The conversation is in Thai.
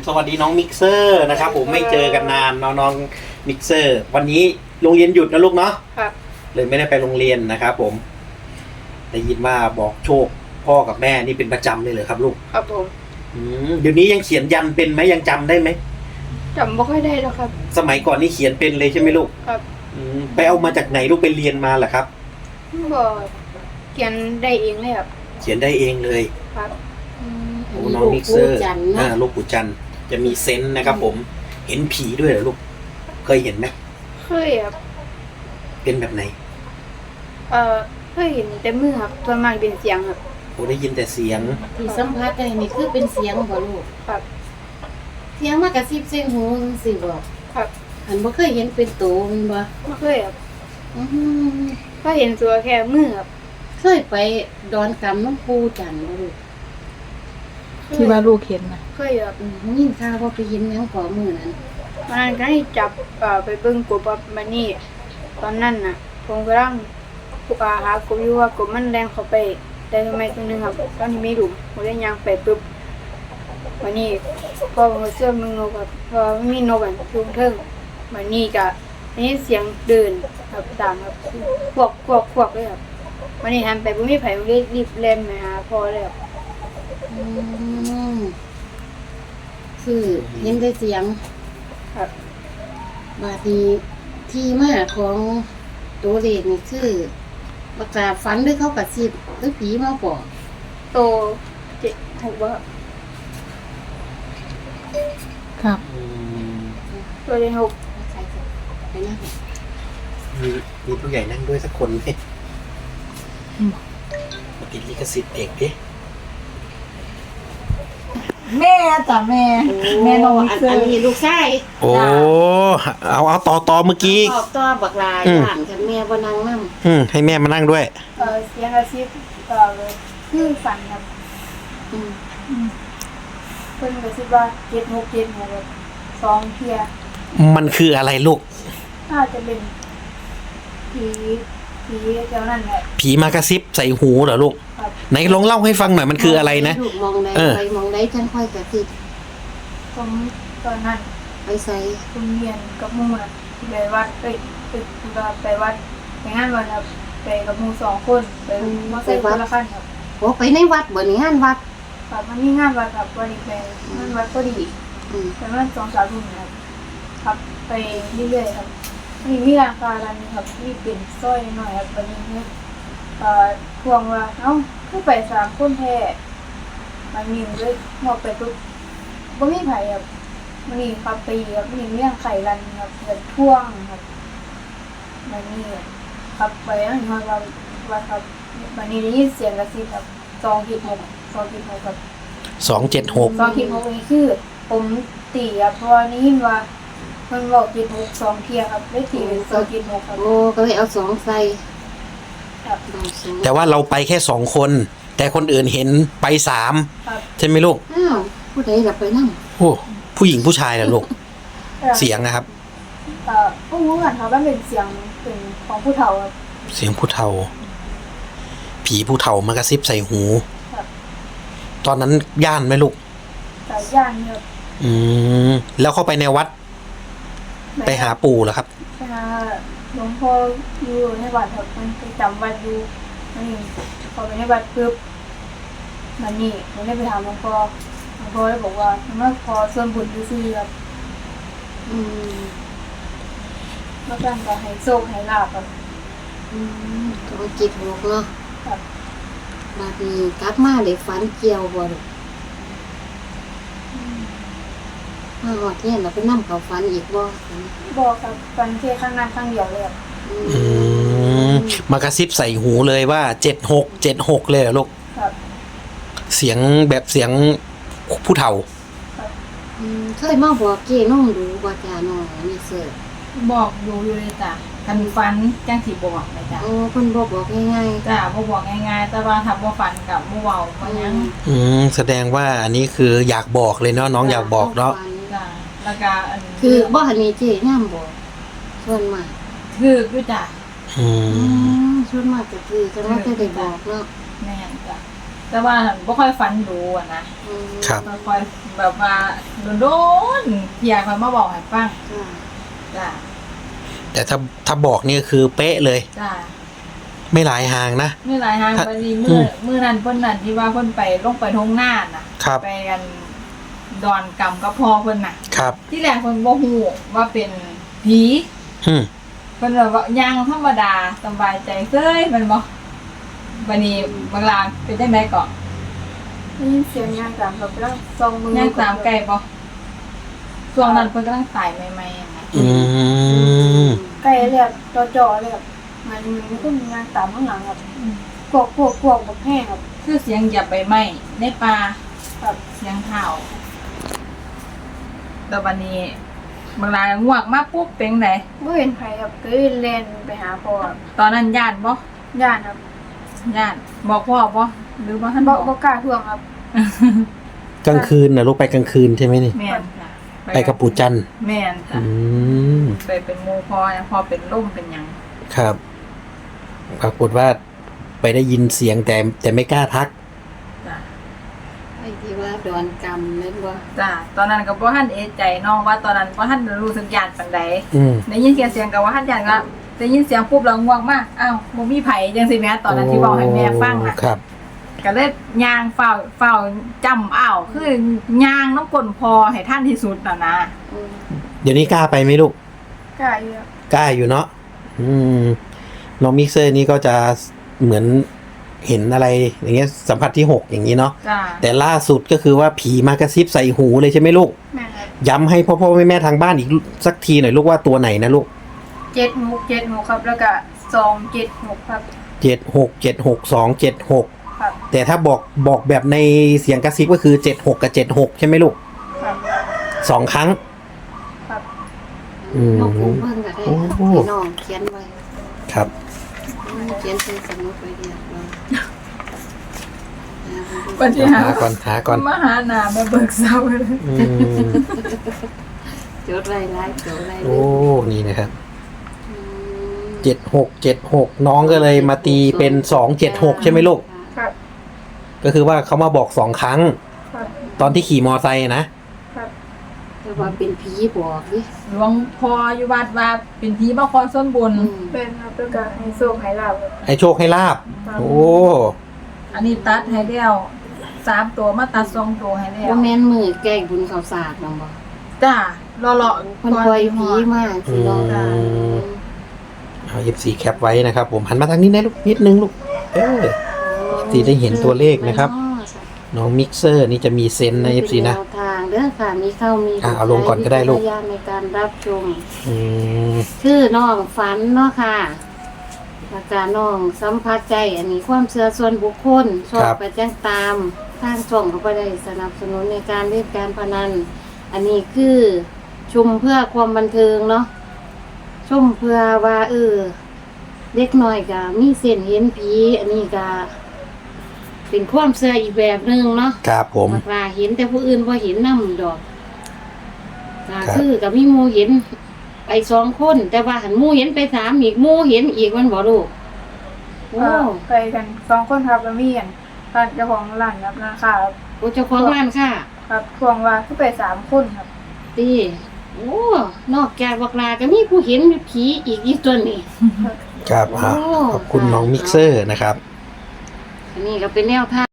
สวัสดีน้องมิกเซอร์นะครับผมไม่เจอกันนานน้องมิกเซอร์ วันนี้โรงเรียนหยุดนะลูกเนาะครับเลยไม่ได้ไปโรงเรียนนะครับผมได้ยินว่าบอกโชคพ่อกับแม่นี่เป็นประจำเลยเหรอครับลูกครับผมเดี๋ยวนี้ยังเขียนยันเป็นไหมยังจำได้ไหมจำไม่ค่อยได้แล้วครับสมัยก่อนนี่เขียนเป็นเลยใช่ไหมลูกครับไปเอามาจากไหนลูกไปเรียนมาเหรอครับบอกเขียนได้เองเลยครับเขียนได้เองเลยครับโอ้น้องมิกเซอร์ลูกปู่จันจะมีเซนส์นะครับผมเห็นผีด้วยเหรอลูกเคยเห็นไหมเคยครับเป็นแบบไหนเคยเห็นแต่มือครับส่วนมากเป็นเสียงครับโอ้ได้ยินแต่เสียงที่สัมผัสได้นี่คือเป็นเสียงบ่ลูกครับเสียงมากระซิบเสียงหูสิบ่ครับอันบ่เคยเห็นเป็นตัวมันบ่ไม่เคยครับก็เห็นตัวแค่มือครับเคยไปดอนกำน้องปูจันบ่ลูกที่ว่าลูกเห็นนะเคยครับยินข่าวว่าไปเห็นหยังขอมือนั้นวันนั้นก็ให้จับไปเบิ่งกบมานี่ตอนนั้นน่ะผมกำลังหากบอยู่ว่ากบมันแรงเข้าไปได้ทำไมตรงนึงครับตอนนี้ไม่รู้ผมได้ยางไปปุ๊บวันนี้พอผมเสื้อมึงนกครับพอไม่มีนกอ่ะชุมเทิงวันนี้ก็นี่เสียงเดินครับตามครับพวกเลยครับวันนี้หันไปผมไม่ไผ่ผมรีบเล่นมาหาพ่อเลยครับคือเห็นได้เสียงครับบาดนี้ที่มาของตัวเลขนี่คือประกาศฝันหรือเขากระซิบหรือผีมาบอกโต7-6ว่าครับตัวเด็ก6 ไปนั่งมีผู้ใหญ่นั่งด้วยสักคนไหมมาติดลิขสิทธิ์เอกดิแม่จ้ะแม่น้องมิกเซอร์อันนี้ลูกชายโอ้เอาต่อเมื่อกี้ต่อบักลายบ้านกับแม่บ่นั่งนำให้แม่มานั่งด้วยเสียงกระซิบคือฝันครับเพิ่นกระซิบว่า7-6แบบ2เที่ยมันคืออะไรลูกน่าจะเป็นผีเจ้านั่นแหละผีมากระซิบใส่หูเหรอลูกไหนลองเล่าให้ฟังหน่อยมันคืออะไรนะมองได้ไปมองได้จังค่อยกระซิบผมตอนนั้นไปใส่คุณเรียนกับหมู่น่ะไปวัดไปวัดไปงานวันครับไปกับหมู่2คนไปมาใส่คนละคันครับโอ้ไปในวัดบ่นี่งานวัดครับมันมีงานวัดครับวันนี้ไปงานวัดพอดีประมาณ2-3 ทุ่มครับไปเรื่อยๆครับมีร้านค้าร้านนึงครับที่เป็นซอยหน่อยครับวันนี้ทวงว่าคือไป3คนแท้มันมีเลยหอบไปปุ๊บบ่มีไผครับมันนี่ครับไปครับมีเรื่องไข่รันครับเกิดท่วงครับมันนี่ครับไปอันว่าครับมันนี่ได้ยินเสียงกระซิบครับ276ครับ 276 นี่คือผมตีครับเพราะว่านี่ยินว่ามันบอก76 2เที่ยครับได้ตีเป็น276ครับโอ้ก็เลยเอา2ใส่ครับแต่ว่าเราไปแค่2คนแต่คนอื่นเห็นไป3ใช่ไหมลูกอ้าวผู้ใดล่ะไปนั่งโอ้ผู้หญิงผู้ชายล่ะลูกเสียงนะครับผู้รู้กันครับว่าเป็นเสียงเป็นของผู้เฒ่าครับเสียงผู้เฒ่าผีผู้เฒ่ามากระซิบใส่หูตอนนั้นย่านไหมลูกย่านครับแล้วเข้าไปในวัดไปหาปู่เหรอครับไปหาหลวงพ่ออยู่ในวัดครับมันไปจำวัดอยู่นี่พอไปในวัดปุ๊บมันนี่ผมได้ไปถามหลวงพ่อเลยบอกว่ามันพอส่วนบุญซื่อครับแล้วก็ให้โชคให้ลาภครับธุรกิจหกเนาะครับบาดนี้กลับมาได้ฝันเกี่ยวบ่ลูกมาหอดเนี่ยเราไปนั่งเขาฝันอีกบ่ครับฝันแค่ครั้งนั้นครั้งเดียวเลยครับมากระซิบใส่หูเลยว่า76เลยเหรอลูกครับเสียงแบบเสียงผู้เฒ่าเคยมาบอกเจ้น้องดูว่าจ้าน้องนี่เสือบอกอยู่เลยจ้ะคันฝันจังสิบอกเลยจ้ะโอ้เพิ่นบอกง่ายๆจ้ะบ่บอกง่ายๆแต่ว่าถ้าบ่ฝันกับบ่เว้าบ่หยังแสดงว่าอันนี้คืออยากบอกเลยเนาะน้องอยากบอกเนาะจ้ะแล้วก็คือบ่อันนี้เจ้ย่ำบอกส่วนมากคืออยู่จ้ะส่วนมากก็คือจะว่าจะได้บอกเนาะแม่นจ้ะแต่ว่าบ่ค่อยฝันดูอะนะครับ ค่อยๆแบบว่าโดนๆเพียค่อยมาบอกให้ฟังค่ะจ้ะแต่ถ้าบอกนี่คือเป๊ะเลยจ้ะไม่หลายห่างนะไม่หลายทางพอดีมื้อนั้นเพิ่นนั่นที่ว่าเพิ่นไปลงไปทงหน้าน่ะครับไปกันดอนกำกับพ่อเพิ่นน่ะครับที่แรกเพิ่นบ่ฮู้ว่าเป็นผีอืมเพิ่นแบบว่าย่างธรรมดาสบายใจเซ้ยแมันบ่บัดนี้บางลางเป็นจังได๋ก็ได้ยินเสียงย่างตามครับแล้วซองมือย่างตามไกลบ่ช่วงนั้นเพิ่นกำลังตายใหม่ๆอะนะอืมใกล้เลยครับจ่อๆเลยครับมันก็มีย่างตามข้างหลังครับกวกแบบแห้งครับคือเสียงเหยียบใบไม้ในป่าครับเสียงเท้าแล้วบัดนี้บางลางง่วงมาปุ๊บเป็นไดไม่เห็นใครครับก็เลยแล่นไปหาพ่อครับตอนนั้นย่านบ่ย่านครับย่านบอกพ่อบ่หรือว่าท่านบ่บอกบ่กล้าท่วงครับกลางคืนนะลูกไปกลางคืนใช่ไหมนี่แม่นจ้ะไปกับปู่จันทร์แม่นจ้ะอืมไปเป็นหมู่พ่อนะพ่อเป็นล่มเป็นหยังครับปรากฏว่าไปได้ยินเสียงแต่ไม่กล้าทักจ้ะไอ้ที่ว่าดอนกรรมนั่นบ่จ้ะตอนนั้นก็บ่ทันเอะใจน้องว่าตอนนั้นบ่ทันรู้สึกย่านปานใดอืมได้ยินเสียงก็ว่าทันย่านก็ได้ยินเสียงปุ๊บแล้วง่วงมากอ้าวบ่มีไผจังซี่แหม่ตอนนั้นที่เว้าให้แม่ฟังน่ะครับก็เลยย่างเฝ้าจำอ้าวคือย่างน้ำกลนพอให้ท่านที่สุดน่ะนะอืมเดี๋ยวนี้กล้าไปไหมลูกกล้าอยู่ครับกล้าอยู่เนาะอืมน้องมิกเซอร์นี่ก็จะเหมือนเห็นอะไรอย่างเงี้ยสัมผัสที่ 6อย่างนี้เนาะจ้ะแต่ล่าสุดก็คือว่าผีมากระซิบใส่หูเลยใช่ไหมลูกแม่นครับย้ำให้พ่อแม่ทางบ้านอีกสักทีหน่อยลูกว่าตัวไหนนะลูก 7 ครับแล้วก็276ครับ 7676 ครับแต่ถ้าบอกแบบในเสียงกระซิบก็คือ76กับ76ใช่ไหมลูกครับ 2 ครั้งครับอืมน้องผมเบิ่งก็ได้โอ้โหให้น้องเขียนไว้ครับเขียนเป็นสมุดไว้เดียวเราปัญหาหาก่อนมาหาหน้ามาเบิกเศร้าเลยอืมจดไว้หลายจดไว้เลโอ้ยนี่นะครับอืม 7676น้องก็เลยมาตีเป็น276ใช่ไหมลูกครับก็คือว่าเขามาบอก2 ครั้งครับตอนที่ขี่มอไซค์นะครับแต่ว่าเป็นผีบอกดิหลวงพ่ออยู่วัดว่าเป็นผีมาขอส่วนบุญอืมเป็นครับแล้วก็ให้โชคให้ลาบครับให้โชคให้ลาบครับโอ้อันนี้ตัดให้แล้ว3ตัวมาตัด2ตัวให้แล้วว่าแม่นมือแก้บุญข้าวสากน้องบ่จ้าเลาะเพิ่นปล่อยผีมากสิน้องอืม เอา FC แคปไว้นะครับ ผมหันมาทางนี้นะลูกนิดนึงลูกสีได้เห็นตัวเลขนะครับ น้องมิกเซอร์นี่จะมีเซนส์นะ FC นะเป็แวทางเด้อค่ะมีเข้ามีเอาลงก่อนก็ได้ลูกวิจารณญาณในการรับชมอืมคือน้องฝันเนาะค่ะอาจารย์น้องสัมผัสใจอันนี้ความเชื่อส่วนบุคคลชอบไปแจ้งตามทางช่องเขาไปได้สนับสนุนในการเล่นการพนัน อันนี้คือชุมเพื่อความบันเทิงเนาะชมเพื่อว่าเด็กน้อยก็มีเส้นเห็นผีอันนี้ก็เป็นความเชื่ออีกแบบหนึงเนาะครับผมว่าเห็นแต่ผู้อื่นบ่เห็นนำดอกก็ครับคือกับมีหมู่เห็นไป2 คน แต่ว่าหันหมู่เห็นไป3อีกหมู่เห็นอีกมันบ่ลูกโอ้ไปกัน2 คนครับแล้วมีกันร้านเจ้าของร้านครับนะครับโอ้เจ้าของร้านค่ะครับทวงว่าคือไป3 คนครับตีโอ้นอกจากบักลาก็มีผู้เห็นผีอีกตัวนี้ครับอ่ะโอ้ขอบคุณน้องมิกเซอร์นะครับอันนี้ก็เป็นแนวทาง